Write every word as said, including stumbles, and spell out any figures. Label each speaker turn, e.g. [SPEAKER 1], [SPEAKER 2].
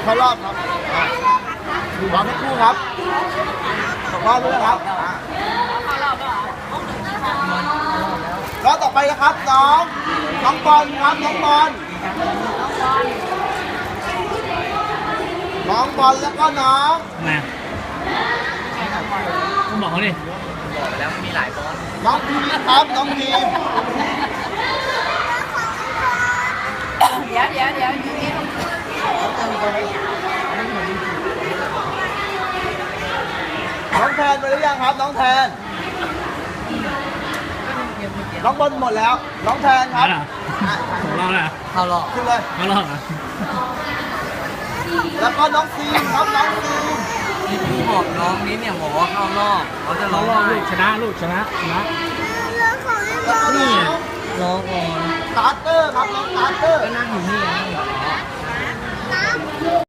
[SPEAKER 1] เข้ารอบครับรอสักครู่ครับตกรอบด้วยครับรอบต่อไปนะครับน้องน้องบอลครับน้องบอลน้องบอลแล้วก็น้อง
[SPEAKER 2] มาคุณบอกเขาดิ
[SPEAKER 3] บอกไปแล้วมีหลายบอล
[SPEAKER 1] น้องพีครับน้องพี
[SPEAKER 4] เดี๋ยวเดี๋ยวเดี๋ยวอยู่นี่
[SPEAKER 1] น้องแทนไปหรือยังครับน้องแทนน้องบอลหมดแล้วน้องแทนครับ
[SPEAKER 2] ของเราแหละ
[SPEAKER 3] เข้ารอบ
[SPEAKER 1] ขึ้นเลย
[SPEAKER 2] เขารอบอ่ะ
[SPEAKER 1] แล้วก็น้องซีมครับน้องซีม
[SPEAKER 3] ที่พี่บอกน้องนี้เนี่ยบอกว่าเข้ารอบเขาจะร้อง
[SPEAKER 2] ลูกชนะลูกชนะชนะ
[SPEAKER 1] แล้วก็น้อง
[SPEAKER 3] ร้องก่อน
[SPEAKER 1] สตาร์เตอร์ครับน้องสตาร์เตอร์
[SPEAKER 3] ก็นั่งอยู่นี่